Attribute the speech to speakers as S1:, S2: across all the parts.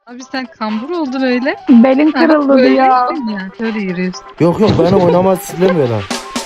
S1: Abi sen kambur oldun öyle.
S2: Belin
S1: Ha,
S2: kırıldı
S1: böyle
S2: diyor.
S1: yürüyorsun ya, şöyle yürüyorsun.
S3: Yok benim oynamaz istemiyorlar.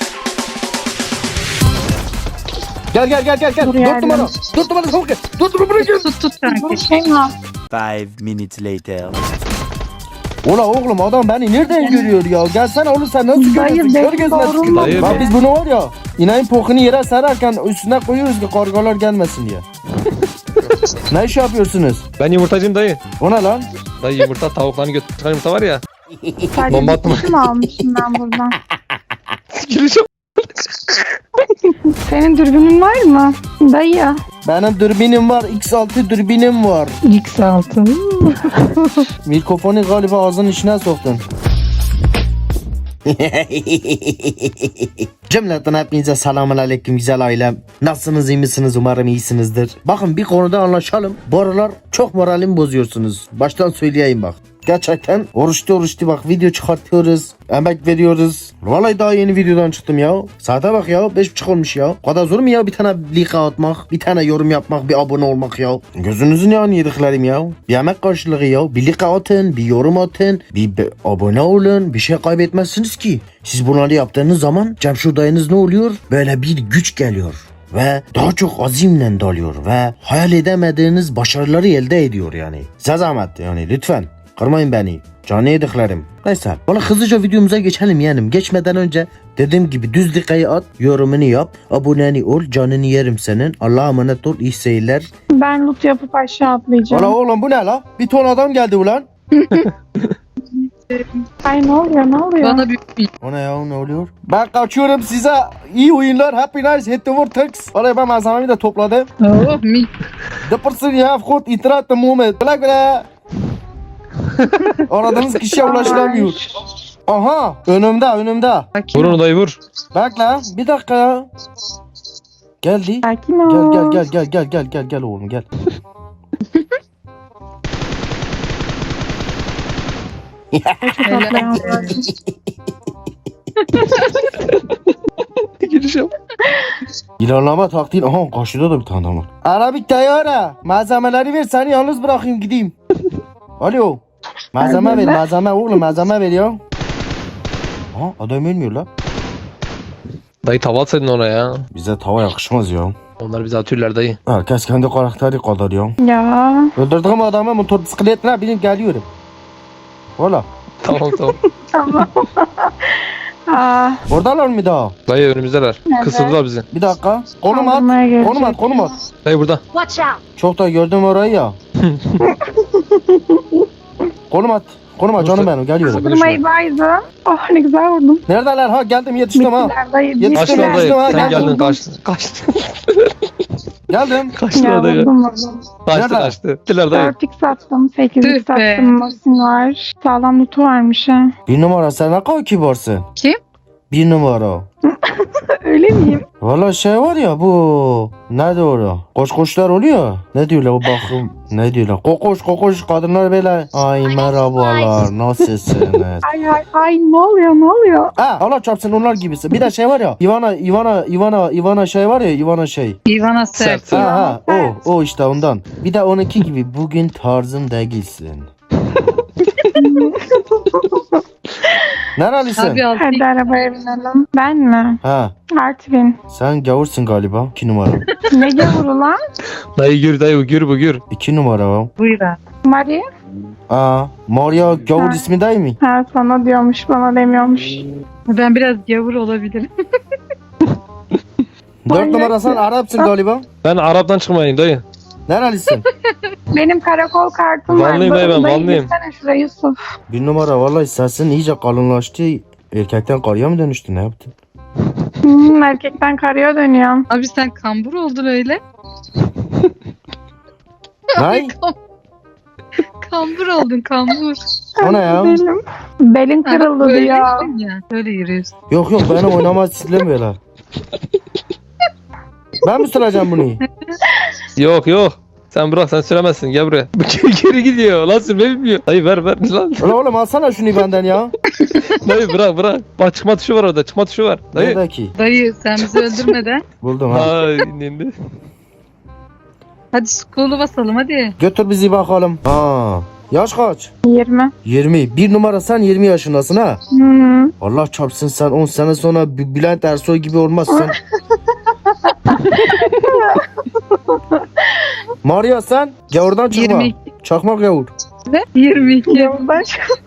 S3: Gel.
S2: Dur
S3: 4
S2: yardım.
S3: numara. 4 numara çabuk gel. 4 numara gel.
S1: Tut
S2: Bu
S1: kanki.
S2: şey mi?
S4: 5 minutes later.
S3: Ola oğlum adam beni nereden görüyor ya? Gelsene oğlum sen nasıl
S2: Dayı,
S3: görüyorsun? Kör
S2: benim
S3: gözüne
S2: doğrum
S3: tükür.
S2: mu?
S5: Dayı
S3: Bak
S5: be.
S3: biz bunu var ya inayın pokunu yere sererken üstüne koyuyoruz ki kargalar gelmesin diye. Ne iş yapıyorsunuz?
S5: Ben yumurtacıyım dayı.
S3: O ne lan?
S5: Dayı yumurta tavukların götü çıkan yumurta var ya.
S2: Sadece
S5: Bomba
S2: bir
S5: atma.
S2: kutu mu almışım ben buradan?
S5: Gireceğim.
S2: Senin dürbünün var mı? Dayı.
S3: Benim dürbünim var. X6 dürbünim var.
S1: X6.
S3: Mikrofonu galiba ağzının içine soktun. Cümleten hepinize selamun aleyküm güzel ailem. Nasılsınız iyi misiniz umarım iyisinizdir. Bakın bir konuda anlaşalım. Bu aralar çok moralimi bozuyorsunuz. Baştan söyleyeyim bak. Gerçekten oruçlu bak video çıkartıyoruz. Emek veriyoruz. Vallahi daha yeni videodan çıktım ya. Saate bak ya 5.30 olmuş ya. O kadar zor mu ya bir tane like atmak, bir tane yorum yapmak, bir abone olmak ya. Gözünüzün yağını yediklerim ya. Bir emek karşılığı ya. Bir like atın, bir yorum atın, bir abone olun. Bir şey kaybetmezsiniz ki. Siz bunları yaptığınız zaman Cemşir dayınız ne oluyor? Böyle bir güç geliyor. Ve daha çok azimle dalıyor ve hayal edemediğiniz başarıları elde ediyor yani. Size zahmet yani lütfen. Kırmayın beni. Canı yediklerim. Neyse. Valla hızlıca videomuza geçelim yeğenim. Geçmeden önce dediğim gibi düz dikayı at. Yorumunu yap. Aboneni ol. Canını yerim senin. Allah'a emanet ol. İyi seyirler.
S2: Ben loot yapıp aşağı atlayacağım.
S3: Valla oğlum bu ne la? Bir ton adam geldi ulan.
S2: Ay ne oluyor?
S1: Bana büyük bir
S3: O ne ya ne oluyor? Ben kaçıyorum size. İyi oyunlar. Happy nice. Hit the vortex. Valla ben malzememi de topladım.
S1: Oh mi.
S3: The person you have got itirat the moment. Bırak bile. Aradığınız kişiye ulaşılamıyor. Aha önümde.
S5: Vur onu dayı vur.
S3: Bak lan bir dakika ya. Geldi.
S2: Sakin ol.
S3: Gel oğlum gel.
S2: Atlayan var.
S5: Gireceğim.
S3: İlerleme taktiği. Aha karşıda da bir tane adam var. Arabik tayara. Malzemeleri ver seni yalnız bırakayım gideyim. Alo. Malzeme ver malzeme oğlum malzeme ver ya. Aha adam ölmüyor lan.
S5: Dayı tava atsaydın ona ya.
S3: Bize tava yakışmaz ya.
S5: Onlar bizi atıyorlar dayı.
S3: Herkes kendi karakteri kadar ya.
S2: Ya.
S3: Öldürdüğüm adamı motor bisikletine binip geliyorum. Valla.
S5: Tamam.
S2: Tamam. Aa,
S3: Oradalar mı daha?
S5: Dayı önümüzdeler.
S2: Evet.
S5: Kısıldılar bizi.
S3: Bir dakika. Konum at.
S2: kaldırmaya gelecek.
S3: Konum at.
S5: Dayı burada.
S3: Çok da gördüm orayı ya. Konum at canım benim geliyorum.
S2: Kaldırmayı baydı. Oh ne güzel vurdum.
S3: Neredeler ha geldim yetiştim ha.
S2: Bittiler dayı.
S3: Yetiştim,
S5: Kaçtılar dayı.
S3: ha,
S5: Sen
S3: geldim.
S5: geldin kaçtın.
S3: Geldim.
S2: Ya
S5: Kaçtılar dayı.
S2: vurdum.
S5: Kaçtı. Gittiler dayı.
S2: 4x attım. 8x
S1: Tüh be.
S2: attım. Masin var. Sağlam lootu varmış ha.
S3: Bir numara sen ne kadar kibarsın.
S1: Kim?
S3: Bir numara.
S2: Öyle miyim?
S3: Valla şey var ya bu. Ne doğru? Koşlar oluyor. Ne diyorlar o bakım. Ne diyorlar? Kokoş kadınlar böyle. Ay merhabalar nasılsınız?
S2: Ay ne oluyor?
S3: Ha Allah çarpsın onlar gibisi. Bir de şey var ya. Ivana şey var ya. Ivana şey.
S1: Ivana Sert.
S5: Sert.
S3: Ha o işte ondan. Bir de onunki gibi bugün tarzım değilsin. Nerelisin?
S1: Abi altı.
S2: Hadi arabaya binelim. Ben mi?
S3: Ha
S2: Artvin.
S3: sen gavursun galiba. 2 numara.
S2: Ne gavuru lan?
S5: Dayı gür dayı gür bu gür.
S3: 2 numara o.
S1: Buyur abi.
S2: Mari?
S3: Aa Maria gavur
S2: Ha.
S3: ismi değil mi?
S2: Ha sana diyormuş bana demiyormuş.
S1: Ben biraz gavur olabilirim.
S3: 4 numara sen Arapsın galiba.
S5: Ben Arap'tan çıkmayayım dayı.
S3: Nerelisin?
S2: Benim karakol kartım var.
S5: Vanlıyım dayı ben,
S2: Dayı
S5: vanlıyım.
S2: gitsene şuraya Yusuf.
S3: 1 numara vallahi sesin iyice kalınlaştı. Erkekten karıya mı dönüştü ne yaptın?
S2: Erkekten karıya dönüyorum.
S1: Abi sen kambur oldun öyle.
S3: Ne?
S1: Kambur oldun kambur.
S3: O ne ya?
S2: Belin
S1: Ha,
S2: kırıldı
S1: böyle
S2: diyor.
S1: yürüyorsun ya, şöyle yürüyorsun.
S3: Yok benim oynamaz istemiyorlar. Ben mi süreceğim bunu?
S5: Yok. Sen bırak sen süremezsin gel buraya. Geri gidiyor lan sürmeyi bilmiyor. Dayı ver lan.
S3: Ulan oğlum alsana şunu benden ya.
S5: Dayı bırak. Bak çıkma tuşu var orada çıkma tuşu var. Dayı.
S3: Nerede ki?
S1: Dayı sen bizi öldürmeden.
S3: Buldum ha.
S5: Ay indi.
S1: Hadi skolu basalım hadi.
S3: Götür bizi bakalım. Ha. Yaş kaç?
S2: 20.
S3: 20. Bir numara sen 20 yaşındasın ha.
S2: Hı.
S3: Allah çarpsın sen 10 sene sonra Bülent Ersoy gibi olmazsın. Maria sen gavurdan çıkma.
S1: 22.
S3: Çakmak gavur.
S1: Ne? 22.
S2: Yoldaş.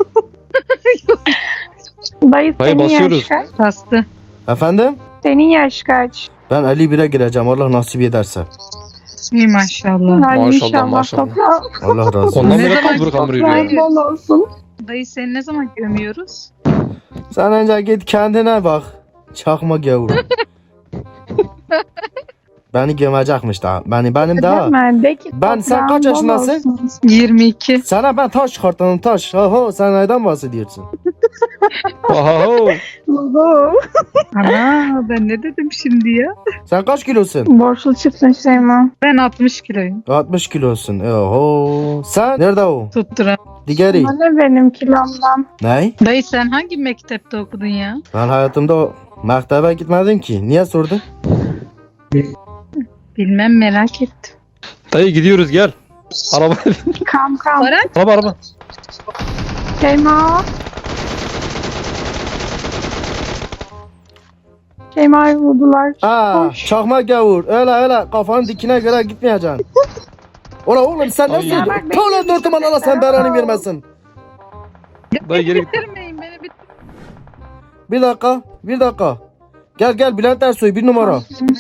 S2: Dayı senin
S5: basıyoruz.
S2: yaş kaç?
S1: Bastı.
S3: Efendim?
S2: Senin yaş kaç?
S3: Ben 51'e gireceğim Allah nasip ederse.
S1: İyi maşallah.
S2: Ay,
S5: Maşallah,
S2: inşallah
S5: maşallah.
S2: toprağı
S3: Allah razı olsun.
S5: Ondan
S1: Ne
S5: beri
S1: zaman
S5: kambur kambur yürüyor.
S2: toprağın bol olsun.
S1: Dayı seni ne zaman gömüyoruz?
S3: Sen önce git kendine bak. Çakma gavur. Beni gömecekmiş daha. Benim daha.
S2: Deme, de ki
S3: Ben- sen
S2: toprağın
S3: kaç
S2: bol
S3: yaşındasın?
S2: olsun.
S1: 22.
S3: Sana ben taş çıkartanım taş. Oho sen neden bahsediyorsun?
S5: Oho.
S2: Oho.
S1: Ana ben ne dedim şimdi ya?
S3: Sen kaç kilosun?
S2: Borçlu çıktın Şeyma.
S1: Ben 60 kiloyum.
S3: 60 kilosun. Oho. Sen nerede o?
S1: Tutturan.
S3: Digeri.
S2: Bana benim kilomdan.
S3: Ne?
S1: Dayı sen hangi mektepte okudun ya?
S3: Ben hayatımda o mektebe gitmedim ki. Niye sordun?
S1: Bilmem merak ettim.
S5: Dayı gidiyoruz gel. Araba.
S2: Kam.
S5: araba.
S2: Şeyma. Şeyma'yı vurdular.
S3: Ha,
S2: Hoş.
S3: çakma gavur. Öyle kafanın dikine göre gitmeyeceksin. Ola oğlum sen
S5: Ay.
S3: nasıl?
S5: Ya
S2: bak,
S3: Tola dörtüm Allah sen belanı vermesin.
S5: Dayı geri git.
S1: Bitirmeyin beni bitir.
S3: Bir dakika. Gel Bülent Ersoy bir numara.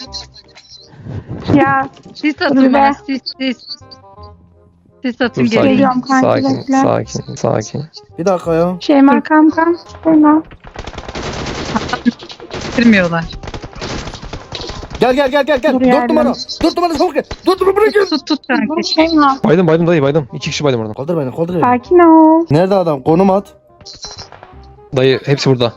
S2: Ya
S1: Sis atın
S2: Dur be.
S1: bana sis. Sis atın
S5: Dur
S1: gelin.
S5: sakin.
S2: Geliyorum kanki,
S5: Sakin.
S2: bekle.
S5: Sakin.
S3: Bir dakika ya.
S2: Şeyma kam. Şeyma.
S1: Bitirmiyorlar.
S3: Gel.
S2: Dur
S3: Dört
S2: yardım.
S3: numara. Dört numara çabuk gel. Dört numara bırakın.
S1: Tut kanki.
S2: Şeyma.
S5: Baydım dayı baydım. 2 kişi baydım oradan.
S3: Kaldır beni.
S2: Sakin ol.
S3: Nerede adam? Konum at.
S5: Dayı hepsi burada.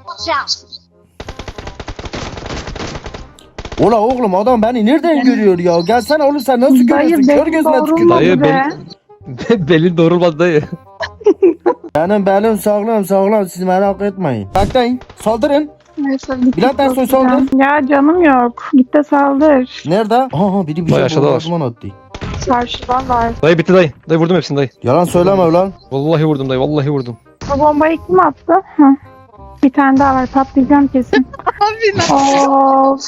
S3: Ola oğlum adam beni nereden görüyor ya? Gelsene oğlum sen nasıl görüyorsun? Kör
S2: benim
S3: gözüne
S2: doğrulmadı
S3: tükür.
S5: Dayı,
S2: be.
S5: Belin doğrulmadı dayı.
S3: Benim belim sağlam siz merak etmeyin. Bekleyin. Saldırın.
S2: Neyse,
S3: Bülent Ersoy saldır.
S2: Ya canım yok. Git de saldır.
S3: Nerede? Aha biri bir
S5: Vay,
S3: şey
S5: aşağıda var.
S3: bombardıman attı.
S2: Çarşıdalar.
S5: Dayı bitti dayı. Dayı vurdum hepsini dayı.
S3: Yalan söyleme ulan.
S5: Vallahi vurdum dayı. Vallahi vurdum.
S2: Bu bombayı kim attı? Hı. Bir tane daha var. Patlayacağım kesin.
S1: Abi
S2: Of.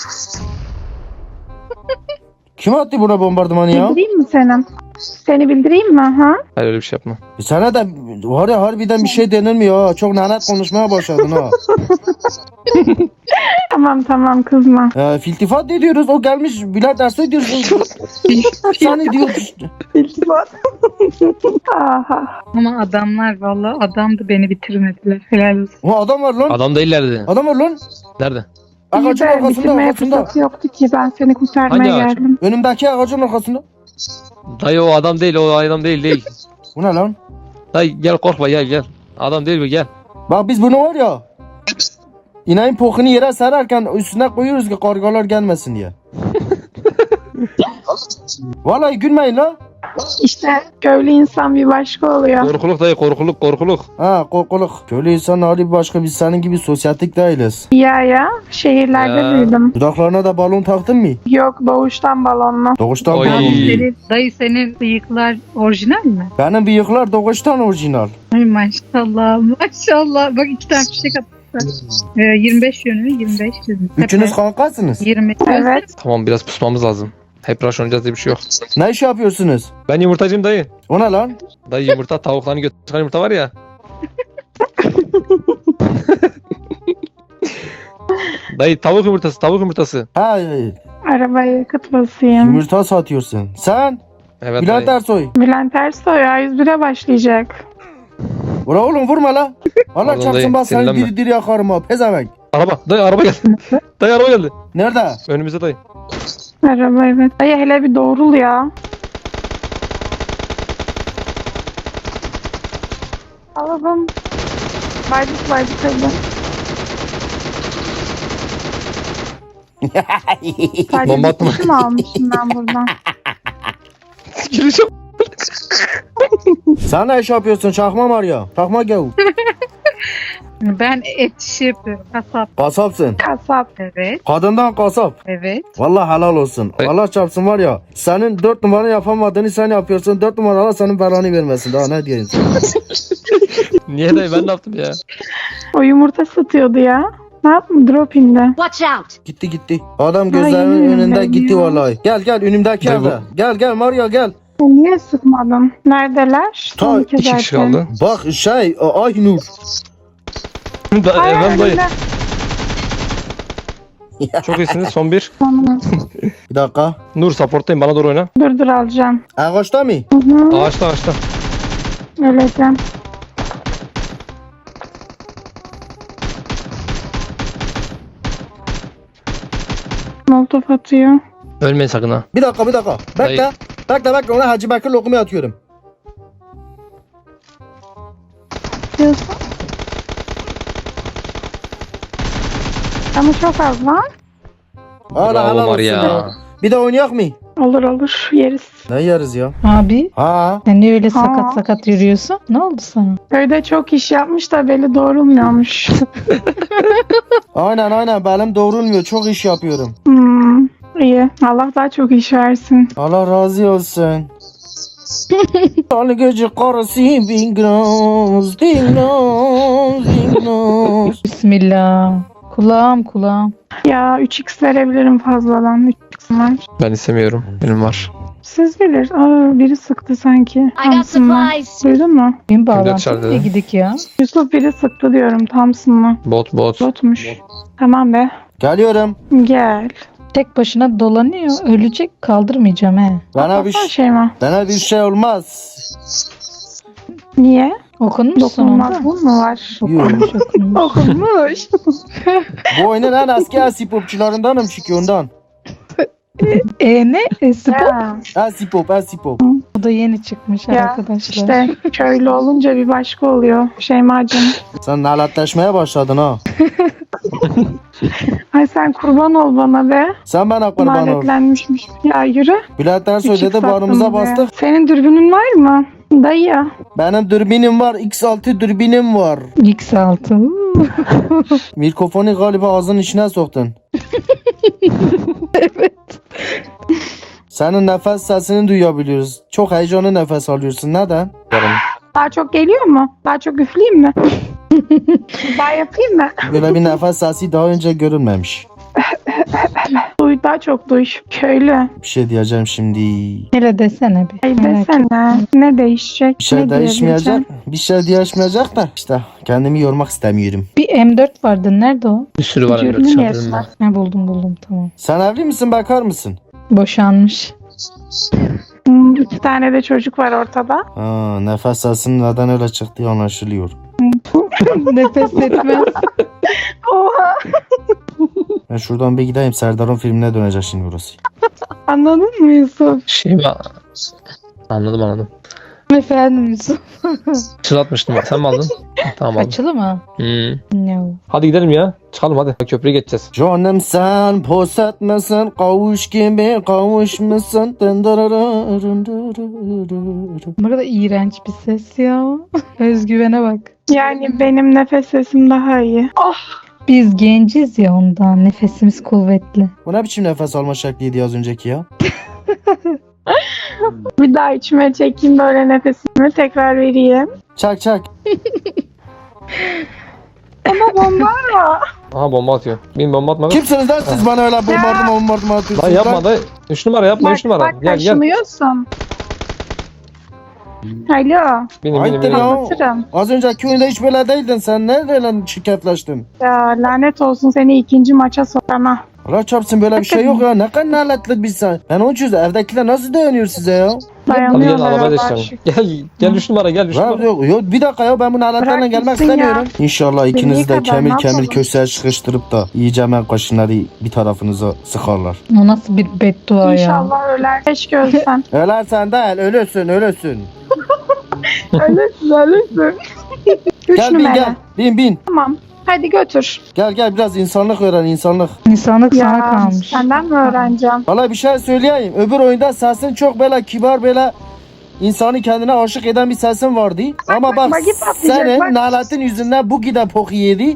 S3: Kim attı buna bombardımanı ya?
S2: Bildireyim mi seni? Seni bildireyim mi? Ha?
S5: Hayır öyle bir şey yapma.
S3: Sana da var ya harbiden bir şey denilmiyor ha. Çok lanet konuşmaya başladın ha.
S2: Tamam kızma.
S3: Filtifat ne diyoruz? O gelmiş Bülent Ersoy diyorsun. Sen ne diyorsun?
S2: İltifat. Aha.
S1: ama adamlar vallahi adamdı beni bitirmediler. Helal olsun.
S3: O adam var lan.
S5: Adam değillerdi.
S3: Adam var lan.
S5: Nerede?
S3: Ağacın
S2: İyi de
S3: arkasında
S2: bitirmeye fırsatı yoktu ki. Ben seni kurtarmaya
S5: Hangi ağaç?
S2: geldim.
S3: Önümdeki ağacın arkasında.
S5: Dayı o adam değil. O adam değil.
S3: Bu ne lan?
S5: Dayı gel korkma gel. Adam değil bu gel.
S3: Bak biz bunu var ya. İneğin pokunu yere sererken üstüne koyuyoruz ki kargalar gelmesin diye. Vallahi gülmeyin la.
S2: İşte köylü insan bir başka oluyor.
S5: Korkuluk dayı korkuluk.
S3: Ha korkuluk. Köylü insan hali başka biz senin gibi sosyetik değiliz.
S2: Ya. Şehirlerde
S5: Ya.
S2: büyüdüm.
S3: Dudaklarına da balon taktın mı?
S2: Yok doğuştan balonlu.
S3: Doğuştan
S5: Oy.
S3: balon.
S1: Dayı senin bıyıklar orijinal mi?
S3: Benim bıyıklar doğuştan orijinal.
S1: Ay maşallah. Bak 2 tane fişek atmışlar. 25 yönü 25 yönü.
S3: Üçünüz kankasınız.
S1: 20.
S2: Evet.
S5: Tamam biraz pusmamız lazım. Hep rush oynayacağız diye bir şey yok.
S3: Ne iş yapıyorsunuz?
S5: Ben yumurtacıyım dayı.
S3: O ne lan?
S5: Dayı yumurta tavuklarını çıkan yumurta var ya. Dayı tavuk yumurtası.
S3: Ha
S2: Arabaya yakıt basayım.
S3: yumurta satıyorsun. Sen?
S5: Evet
S3: Bülent
S5: dayı.
S3: Ersoy.
S2: Bülent Ersoy A101'e başlayacak.
S3: Ula oğlum vurma la. Allah
S5: Pardon
S3: çarpsın
S5: dayı,
S3: bak seni
S5: sinirlenme.
S3: diri yakarım ha. Pezevenk.
S5: Dayı araba geldi. Dayı araba geldi.
S3: Nerede?
S5: Önümüzde dayı.
S2: Araba evet. Dayı hele bir doğrul ya. Alalım. Baydık hadi. Sadece
S5: Bomba
S2: bir
S5: atma.
S2: kişi mi almışım ben buradan?
S5: Gireceğim.
S3: Sen ne iş yapıyorsun çakma var ya? Çakma gavur.
S1: Ben et işi yapıyorum. Kasap.
S3: Kasapsın.
S2: Kasap.
S1: Evet.
S3: Kadından kasap.
S1: Evet.
S3: Vallahi helal olsun.
S5: Ay.
S3: Allah çarpsın var ya. Senin 4 numara yapamadığını sen yapıyorsun. 4 numara Allah senin belanı vermesin. Daha ne diyeyim sana?
S5: Niye dayı ben ne yaptım ya?
S2: O yumurta satıyordu ya. Ne yaptın? Drop indi.
S6: Watch out!
S3: Gitti gitti. Adam gözlerimin
S2: yemin
S3: önünde
S2: ederim
S3: gitti
S2: ya.
S3: vallahi. Gel gel önümdeki
S5: Dayı bu-
S3: evde. Gel Mario gel.
S2: Niye sıkmadın? Neredeler?
S3: Ta
S2: Son iki
S5: 2 kişi
S2: zaten.
S5: kaldı.
S3: Bak Aynur.
S2: Ay,
S5: Ben dayı.
S2: önünde.
S5: Çok iyisiniz. Son bir.
S2: Tamam.
S3: Bir dakika.
S5: Nur supporttayım. Bana doğru oyna.
S2: Dur alacağım.
S3: Ağaçta mı?
S2: Hı hı.
S5: Ağaçta.
S2: Öleceğim. Molotof atıyor.
S5: Ölmeyin sakın ha.
S3: Bir dakika. Bekle.
S5: Dayı.
S3: Bekle. Ona Hacı Bekir lokumu atıyorum.
S2: Diyorsun. Ama çok az var.
S3: Hala
S5: Bravo
S3: helal olsun
S5: Maria.
S3: ya. Bir de oynayak mı?
S2: Olur yeriz.
S3: Ne yeriz ya?
S7: Abi
S3: Ha.
S7: sen niye öyle
S2: Aa.
S7: sakat sakat yürüyorsun? Ne oldu sana?
S2: Köyde çok iş yapmış da beli doğrulmuyormuş.
S3: Aynen belim doğrulmuyor. Çok iş yapıyorum.
S2: İyi. Allah daha çok iş versin.
S3: Allah razı olsun. Tanrı gece karısı bingraz, dingraz.
S7: Bismillah. Kulağım.
S2: Ya 3x verebilirim fazladan. 3x var.
S5: Ben istemiyorum. Benim var.
S2: Siz bilir. Aa, biri sıktı sanki.
S6: I got
S2: Thompson'la.
S6: supplies!
S2: Duydun mu?
S7: Benim
S5: dışarıda?
S7: bağlantım ne gidik ya?
S2: Yusuf biri sıktı diyorum Thompson'la.
S5: Bot.
S2: Botmuş. Tamam be.
S3: Geliyorum.
S2: Gel.
S7: Tek başına dolanıyor. Ölecek kaldırmayacağım he.
S3: Bana bir,
S2: Atlasana Şeyma.
S3: bana bir şey olmaz.
S2: Niye?
S7: Okunmuş
S2: Dokunulmaz
S7: sonunda.
S2: bu mu var?
S7: Okunmuş.
S2: Okunmuş.
S3: Bu oyunun en eski eski popçularındanım çünkü ondan.
S7: Ne? Spor.
S2: Ya,
S3: Eski pop.
S7: O da yeni çıkmış
S2: ya
S7: arkadaşlar.
S2: işte köylü olunca bir başka oluyor Şeyma'cığım.
S3: Sen naletleşmeye başladın ha.
S2: Ay sen kurban ol bana be.
S3: Sen bana kurban ol.
S2: Lanetlenmişmiş. Ya yürü.
S3: Bülent Ersoy
S2: Küçük
S3: dedi barımıza
S2: sattım be.
S3: bastık.
S2: Senin dürbünün var mı? Dayı.
S3: Benim dürbünüm var. X6 dürbünüm var.
S7: X6.
S3: Mikrofonu galiba ağzının içine soktun.
S7: Evet.
S3: Senin nefes sesini duyabiliyoruz. Çok heyecanlı nefes alıyorsun. Neden?
S2: Daha çok geliyor mu? Daha çok üfleyeyim mi? Daha yapayım mı?
S3: Böyle bir nefes sesi daha önce görülmemiş.
S2: Duy daha çok duy. Köylü.
S3: Bir şey diyeceğim şimdi.
S7: Hele desene bir.
S2: Ay
S7: Merak ettim.
S2: desene. Ne değişecek?
S3: Bir şey
S2: ne
S3: değişmeyecek.
S2: diyebileceğim?
S3: Bir şey değişmeyecek de işte kendimi yormak istemiyorum.
S7: Bir M4 vardı. Nerede o?
S5: Bir sürü var.
S2: Dürbün
S5: Emre,
S2: yersin.
S5: dışarıda.
S7: Ha, buldum tamam.
S3: Sen evli misin, bekar mısın?
S7: Boşanmış.
S2: 2 tane de çocuk var ortada.
S3: Ha, nefes sesinin neden öyle çıktığı anlaşılıyor.
S7: Nefes etmez.
S2: Oha.
S3: Ben şuradan bir gideyim. Serdar'ın filmine dönecek şimdi burası.
S2: Anladın mı Yusuf?
S5: Anladım.
S7: Efendim Yusuf.
S5: Çıratmıştım ben. Sen mi aldın? Tamam aldım.
S7: Açılı mı? No.
S5: Hadi gidelim ya. Çıkalım hadi. Köprüye geçeceğiz.
S3: Canım sen pos etmesin, kavuş gibi kavuşmuşsun.
S7: Ne kadar iğrenç bir ses ya. Özgüvene bak.
S2: Yani benim nefes sesim daha iyi. Oh.
S7: Biz genciz ya ondan. Nefesimiz kuvvetli.
S3: Bu ne biçim nefes alma şekliydi az önceki ya?
S2: Bir daha içime çekeyim böyle nefesimi tekrar vereyim.
S3: Çak.
S2: Ama bomba var.
S5: Aha bomba atıyor. Bin bomba atma.
S3: Kimsiniz lan siz bana öyle bombardıman atıyorsunuz?
S5: Lan yapma dayı. 3 numara yapma 3 numara.
S2: Bak
S5: Gel.
S2: kaşınıyorsun. Alo.
S5: Benim.
S3: Hayırdır ya?
S2: Anlatırım.
S3: Az önceki oyunda hiç böyle değildin. Sen nereden şirketleştin?
S2: Ya lanet olsun seni ikinci maça sokana.
S3: Allah çarpsın böyle bir şey yok ya. Ne kadar naletli bir sen. Ben onun için evdekiler nasıl dayanıyor size ya?
S5: Hadi gel
S2: Dayanıyorlar
S5: arabaya
S2: Allah'a
S5: geçelim.
S2: şükür.
S5: Gel 3 numara gel 3
S3: Ya,
S5: numara.
S3: yok, bir dakika ya ben bu naletlerle
S2: Bırak
S3: gelmek
S2: gitsin ya.
S3: istemiyorum. İnşallah ikinizi de
S2: kadar,
S3: kemir
S2: ne yapalım?
S3: köşeye sıkıştırıp da iyice hemen kaşınları bir tarafınıza sıkarlar.
S7: O nasıl bir beddua ya.
S2: İnşallah öler. Keşke ölsen.
S3: Ölersen değil ölürsün.
S2: ölürsün. Üç
S3: Gel
S2: numara.
S3: bin.
S2: Tamam. Hadi götür.
S3: Gel biraz insanlık öğren insanlık.
S7: İnsanlık sana
S2: Ya
S7: kalmış.
S2: senden mi öğreneceğim?
S3: Valla bir şey söyleyeyim. Öbür oyunda sesin çok böyle kibar böyle insanı kendine aşık eden bir sesin vardı. Ama bak
S2: bak, git atlayacak,
S3: senin
S2: bak.
S3: naletin yüzünden bu giden poku yedi.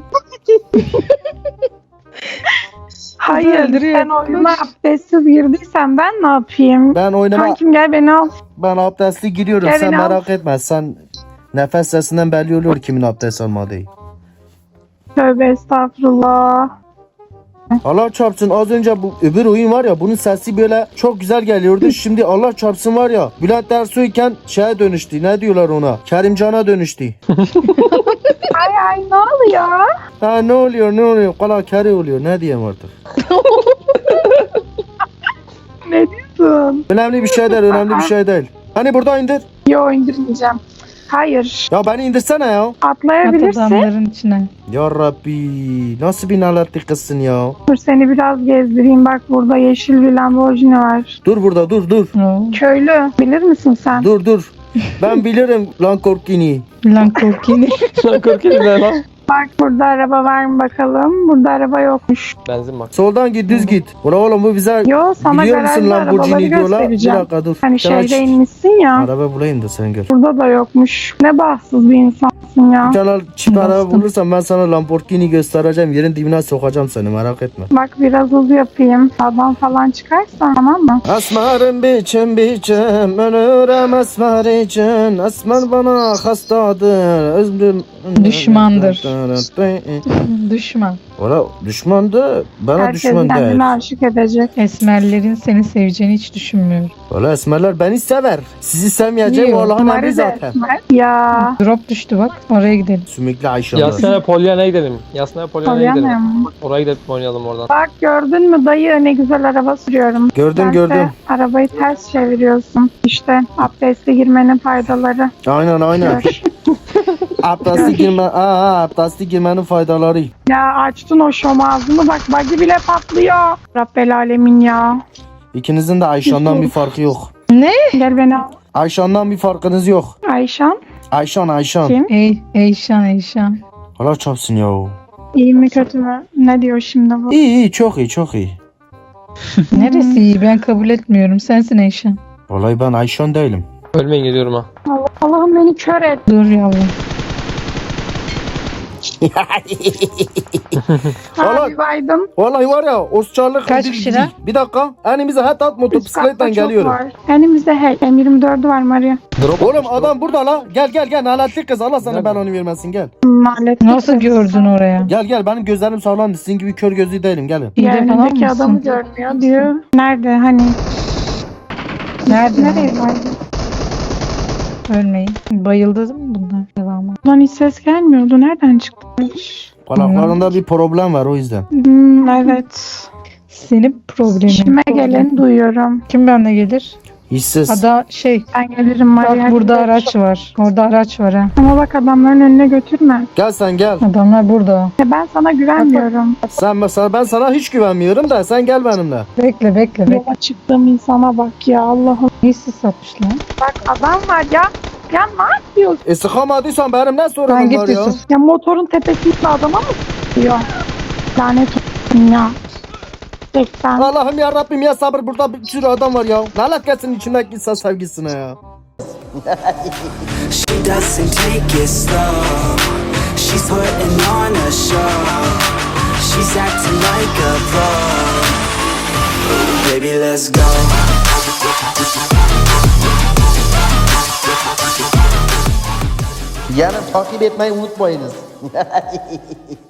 S2: Hayır
S7: öldürüyor.
S2: sen oyuna abdestsiz girdiysen ben ne yapayım?
S3: Ben oynama,
S2: Kankim gel beni al.
S3: ben abdestli giriyorum.
S2: Gel
S3: Sen
S2: beni al.
S3: merak etme. Sen nefes sesinden belli oluyor kimin abdest almadığı.
S2: Tövbe estağfurullah.
S3: Allah çarpsın, az önce bu öbür oyun var ya, bunun sesi böyle çok güzel geliyordu. Şimdi Allah çarpsın var ya, Bülent Ersoy'ken şeye dönüştü. Ne diyorlar ona? Kerimcan'a dönüştü.
S2: Ay ne oluyor?
S3: Ha ne oluyor? Kala kere oluyor. Ne diyeyim artık.
S2: Ne diyorsun?
S3: Önemli bir şey değil. Hani burada indir.
S2: Yo indirmeyeceğim. Hayır.
S3: Ya beni indirsene ya.
S7: At
S2: Atlayabilirsin.
S7: adamların içine.
S3: Ya Rabbi, nasıl bir naletli kızsın ya.
S2: Dur seni biraz gezdireyim. Bak burada yeşil bir Lamborghini var.
S3: Dur burada, dur.
S7: Oo.
S2: Köylü. Bilir misin sen?
S3: Dur. Ben bilirim lan korkini.
S7: Lan korkini.
S5: Lan korkuyorum ne lan?
S2: Bak burada araba var mı bakalım? Burada araba yokmuş.
S5: Benzin bak.
S3: Soldan git, düz git. Ula oğlum bu bize
S2: Yo sana
S3: biliyor musun
S2: garajda arabaları
S3: Lamborghini diyorlar. Bir
S2: göstereceğim.
S3: dakika dur.
S2: Hani
S3: Sana
S2: şehre inmişsin ya.
S3: araba bulayım da sen gör.
S2: Burada da yokmuş. Ne bahtsız bir insansın ya.
S3: Bir tane çift araba
S7: Bastım.
S3: bulursam ben sana Lamborghini göstereceğim. Yerin dibine sokacağım seni, merak etme.
S2: Bak biraz hız yapayım. Adam falan çıkarsa tamam mı?
S3: Asmarım biçim ölürüm asmar için. Asmar bana hastadır. Özlüm
S7: Düşmandır. Düşman.
S3: Valla düşmandı. Bana
S2: Herkes
S3: düşman değil.
S2: kendine aşık edecek.
S7: Esmerlerin seni seveceğini hiç düşünmüyorum.
S3: Valla esmerler beni sever. Sizi sevmeyeceğim
S7: Yok,
S3: Allah'ın emri
S2: Mari de
S3: zaten.
S2: esmer. Ya.
S7: Drop düştü bak. Oraya gidelim.
S3: Sümüklü Ayşe'ler.
S5: Yasnaya Polyana'ya gidelim. Yasnaya Polyana'ya gidelim.
S2: Polyana'ya mı?
S5: Oraya gidip oynayalım oradan.
S2: Bak gördün mü dayı ne güzel araba sürüyorum.
S3: Gördüm,
S2: Sense
S3: gördüm.
S2: arabayı ters çeviriyorsun. İşte abdestli girmenin faydaları.
S3: Aynen.
S2: Gör.
S3: Abdestli girmenin faydaları.
S2: Ya açtın o şom ağzını bak bagi bile patlıyor. Rabbel alemin ya.
S3: İkinizin de Ayşan'dan bir farkı yok.
S2: Gel beni al.
S3: Ayşan'dan bir farkınız yok.
S2: Ayşan
S3: Ayşan.
S2: kim?
S7: Eyşan.
S3: Allah çarpsın ya.
S2: İyi mi kötü mü? Ne diyor şimdi bu?
S3: İyi, çok iyi.
S7: Neresi iyi? Ben kabul etmiyorum. Sensin Eyşan.
S3: Vallahi ben Ayşan değilim.
S5: Ölmeyin geliyorum ha.
S2: Allah'ım beni kör et.
S7: Dur yavrum.
S3: Valla-
S2: Abi baydım.
S3: Vallahi var ya Oscar'lık
S7: Kaç
S3: ödül
S7: kişi
S3: gidiyor.
S7: lan?
S3: Bir dakika. Önümüze hatta
S2: Üst
S3: motosikletten
S2: katta çok
S3: geliyorum.
S2: var. Elimizde M24'ü var Maria.
S5: Drop
S3: Oğlum adam burada la. Gel naletli kız. Allah sana
S5: Nerede?
S3: belanı vermesin gel.
S2: Malet.
S7: Nasıl gördün oraya?
S3: Gel benim gözlerim sağlamdı. Sizin gibi kör gözlü değilim gelin.
S7: Hile falan
S2: Yanındaki adamı
S7: mısın?
S2: görmüyor diyor. Nerede hani?
S7: Nerede?
S2: Nereye vardı?
S7: Ölmeyin. Bayıldı değil mi bunlar? Devamı.
S2: Buradan hiç ses gelmiyordu. Nereden çıktı?
S3: Kulaklarında bir problem var o yüzden.
S2: Evet.
S7: Senin problemin.
S2: İşime geleni duyuyorum.
S7: Kim benimle gelir?
S3: Hissiz.
S7: Ada
S2: Ben gelirim Maria.
S7: bak burada araç var. Orada araç var ha.
S2: Ama bak adamların önüne götürme.
S3: Gel sen gel.
S7: Adamlar burada.
S2: Ya ben sana güvenmiyorum.
S3: Ben sana hiç güvenmiyorum da sen gel benimle.
S7: Bekle.
S2: Yola çıktığım insana bak ya Allah'ım.
S7: Neyse satmış lan.
S2: Bak adam var ya. Ya ne yapıyor?
S3: Sıkamadıysan benim ne
S7: Sen
S3: sorunum
S7: git
S3: var ya?
S7: Yusuf.
S2: Ya motorun tepesinde adama mı diyor? Lanet olsun ya. 80.
S3: Allah'ım ya Rabbim ya sabır, burada bir sürü adam var ya. Lanet gelsin içindeki insan sevgisine ya.
S6: She doesn't take it slow. She's putting on a show. She's acting like a pro. Baby, let's go.
S3: Yani takip etmeyi unutmayınız.